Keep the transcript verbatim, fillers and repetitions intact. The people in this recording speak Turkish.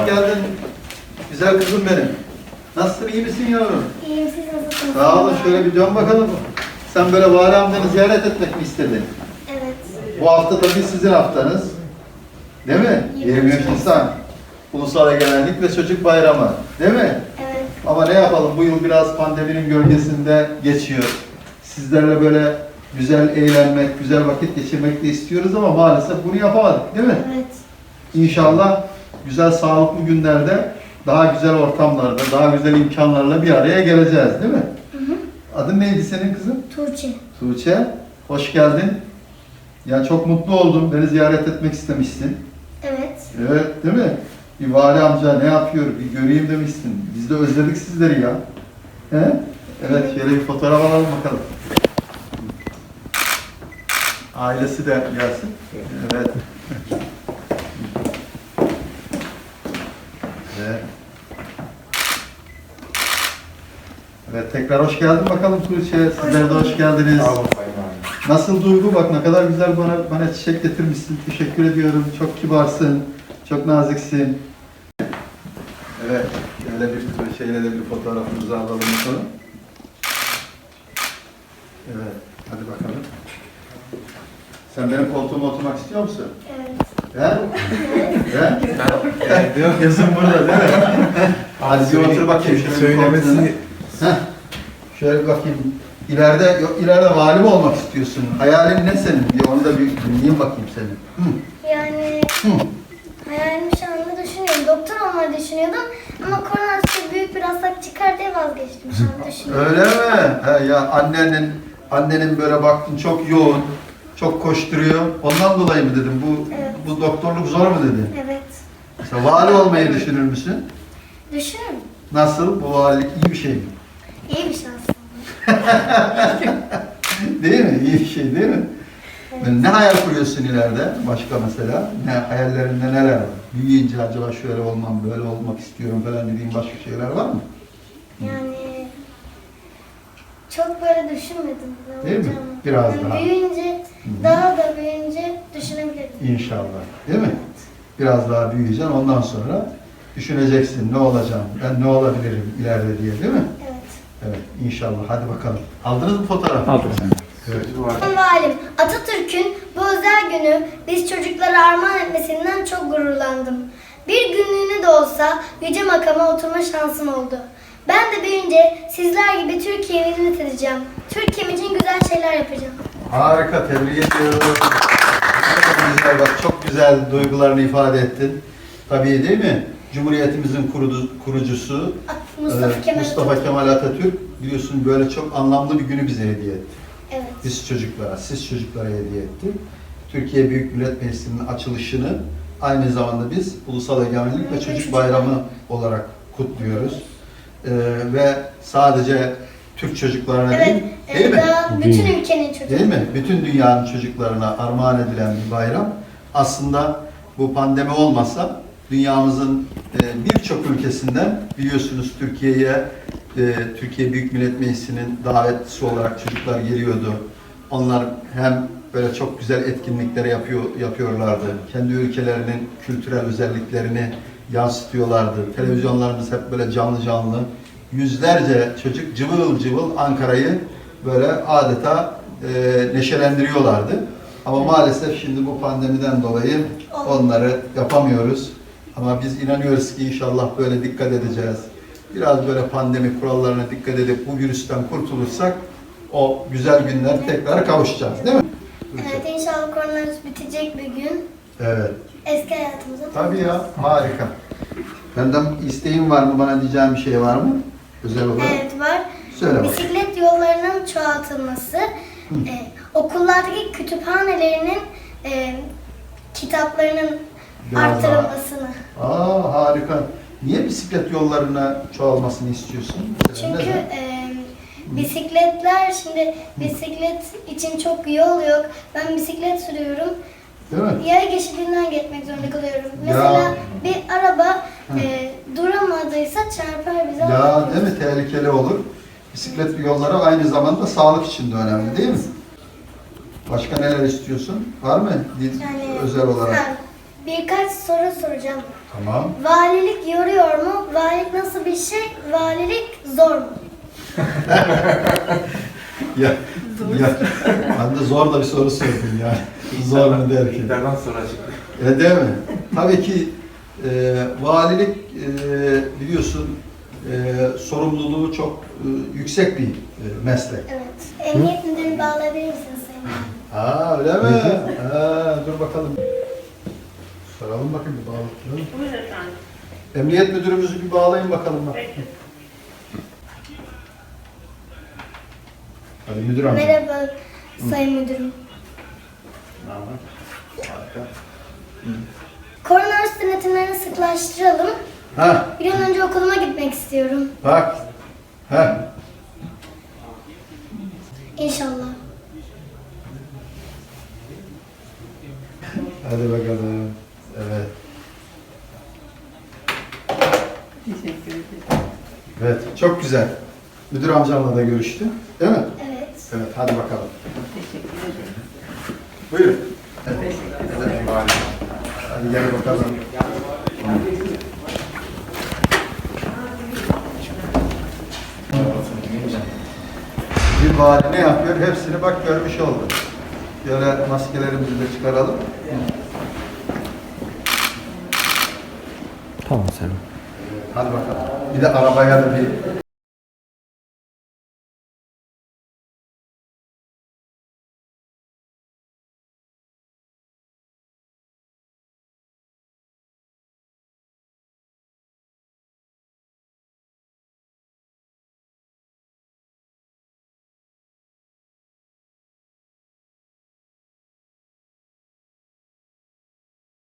hoş geldin. Güzel kızım benim. Nasılsın, iyi misin yavrum? İyiyim, siz nasılsınız? Sağ olun, şöyle bir dön bakalım. Sen böyle vali amcanı ziyaret etmek mi istedin? Evet. Bu hafta tabii sizin haftanız. Değil mi? yirmi üç Nisan. Ulusal Egemenlik ve Çocuk Bayramı. Değil mi? Evet. Ama ne yapalım, bu yıl biraz pandeminin gölgesinde geçiyor. Sizlerle böyle güzel eğlenmek, güzel vakit geçirmek de istiyoruz ama maalesef bunu yapamadık, değil mi? Evet. İnşallah güzel, sağlıklı günlerde, daha güzel ortamlarda, daha güzel imkanlarla bir araya geleceğiz, değil mi? Hı hı. Adın neydi senin kızım? Tuğçe. Tuğçe. Hoş geldin. Ya çok mutlu oldum. Beni ziyaret etmek istemişsin. Evet. Evet, değil mi? Bir vali amca ne yapıyor, bir göreyim demişsin. Biz de özledik sizleri ya. He? Evet, şöyle bir fotoğraf alalım bakalım. Ailesi de gelsin. Evet. Evet. Evet, tekrar hoş geldin bakalım Tuğçe. Sizler de hoş geldiniz. Sağ olun Sayın Valim. Nasıl duygu? Bak ne kadar güzel bana bana çiçek getirmişsin. Teşekkür ediyorum. Çok kibarsın. Çok naziksin. Evet. Şöyle bir şeyle de bir fotoğrafımızı alalım bakalım. Evet. Hadi bakalım. Sen benim koltuğuma oturmak istiyor musun? Evet. He? He? Diyor. Yazın burada değil mi? Hadi bir otur bakayım. Şöyle bir Söylemesi koltuğuna. Heh. Şöyle bir bakayım. İleride, yok, ileride vali mi olmak istiyorsun? Hayalin ne senin? Bir onu da bir dinleyeyim bakayım senin. Hı. Yani Hı. hayalim şu anda düşünüyorum. Doktor olmayı düşünüyordum ama koronavirüs büyük bir hastalık çıkar diye vazgeçtim. Şu an düşünüyorum. Öyle mi? He, ya annenin annenin böyle baktın çok yoğun, çok koşturuyor. Ondan dolayı mı dedim? Bu Evet. bu doktorluk zor mu dedin? Evet. Mesela vali olmayı düşünür müsün? Düşünün. Nasıl? Bu valilik iyi bir şey mi? İyi bir şans. Değil mi? İyi bir şey değil mi? Evet. Ne hayal kuruyorsun ileride? Başka mesela? Ne hayallerinde neler var? Büyüyünce acaba şöyle olmam, böyle olmak istiyorum falan dediğin başka şeyler var mı? Yani çok böyle düşünmedim. ne Değil mi? olacağını. Biraz Yani daha. Büyüyünce, daha da büyüyünce düşünebilirim. İnşallah. Değil mi? Biraz daha büyüyeceksin. Ondan sonra düşüneceksin ne olacağım, ben ne olabilirim ileride diye, değil mi? Evet. Evet. İnşallah. Hadi bakalım. Aldınız mı fotoğrafı? Aldım. Evet. Sayın Valim, Atatürk'ün bu özel günü biz çocuklara armağan etmesinden çok gururlandım. Bir günlüğüne de olsa yüce makama oturma şansım oldu. Ben de büyüyünce sizler gibi Türkiye'yi hizmet edeceğim. Türkiye'm için güzel şeyler yapacağım. Harika. Tebrik ediyorum. Çok güzel. Bak çok güzel duygularını ifade ettin. Tabii değil mi? Cumhuriyetimizin kurudu, kurucusu Mustafa e, Kemal Mustafa Atatürk. Kemal Atatürk biliyorsun böyle çok anlamlı bir günü bize hediye etti. Evet. Biz çocuklara, siz çocuklara hediye etti. Türkiye Büyük Millet Meclisi'nin açılışını aynı zamanda biz Ulusal Egemenlik ve Çocuk Bayramı olarak kutluyoruz. Ee, ve sadece Türk çocuklarına Evet, değil, değil evet mi? daha bütün ülkenin çocuğu. Değil mi? Bütün dünyanın çocuklarına armağan edilen bir bayram. Aslında bu pandemi olmasa dünyamızın e, birçok ülkesinden biliyorsunuz Türkiye'ye e, Türkiye Büyük Millet Meclisi'nin davetlisi olarak çocuklar geliyordu. Onlar hem böyle çok güzel etkinlikler yapıyor yapıyorlardı. Kendi ülkelerinin kültürel özelliklerini yansıtıyorlardı. Televizyonlarımız hep böyle canlı canlı. Yüzlerce çocuk cıvıl cıvıl Ankara'yı böyle adeta e, neşelendiriyorlardı. Ama maalesef şimdi bu pandemiden dolayı onları yapamıyoruz. Ama biz inanıyoruz ki inşallah böyle dikkat edeceğiz. Biraz böyle pandemi kurallarına dikkat edip bu virüsten kurtulursak o güzel günler tekrar kavuşacağız, değil mi? Evet, inşallah koronavirüs bitecek bir gün. Evet. Eski hayatımıza. Tabii ya, harika. Benden isteğin var mı, bana diyeceğim bir şey var mı? Özel olarak. Evet var. Söyle bakalım. Bisiklet yollarının çoğaltılması, e, okullardaki kütüphanelerinin e, kitaplarının Biraz arttırılmasını. Aa harika. Niye bisiklet yollarına çoğalmasını istiyorsun? Mesela Çünkü neden? e, bisikletler şimdi bisiklet için çok yol yok. Ben bisiklet sürüyorum. Değil mi? Yaya geçidinden geçmek zorunda kalıyorum. Ya. Mesela bir araba e, duramadıysa çarpar bize. Ya değil mi? Tehlikeli olur. Bisiklet yolları aynı zamanda sağlık için de önemli değil mi? Başka neler istiyorsun? Var mı? Yani, Özel olarak. ha, birkaç soru soracağım. Tamam. Valilik yoruyor mu? Valilik nasıl bir şey? Valilik zor mu? Ya, ya, ben de zor da bir soru sordum yani. Zor mu der ki? İlklerden sonra çıktı. E, değil mi? Tabii ki e, valilik e, biliyorsun e, sorumluluğu çok e, yüksek bir e, meslek. Evet. Emniyet müdürünü bağlayabilir misiniz Sayın Valim? Aa öyle mi? Ha, dur bakalım. Soralım bakayım bir bağlayalım. Buyurun efendim. Emniyet müdürümüzü bir bağlayın bakalım. Bak. Peki. Hadi müdür amca. Merhaba Sayın Müdürüm. Harika. Koronavirüs denetimlerini sıklaştıralım. Ha, Bir an önce okuluma gitmek istiyorum. bak. Ha. İnşallah. Hadi bakalım. Evet. Teşekkür ederim. Evet, çok güzel. Müdür amcamla da görüştü. Değil mi? Evet. Evet, hadi bakalım. Teşekkür ederim. Buyurun. Evet. Teşekkür ederim. Hadi gel bakalım. Bir vali ne yapıyor? Hepsini bak görmüş oldu. Şöyle maskelerimizi de çıkaralım. Tamam Selim. Hadi bakalım. Bir de arabaya da bir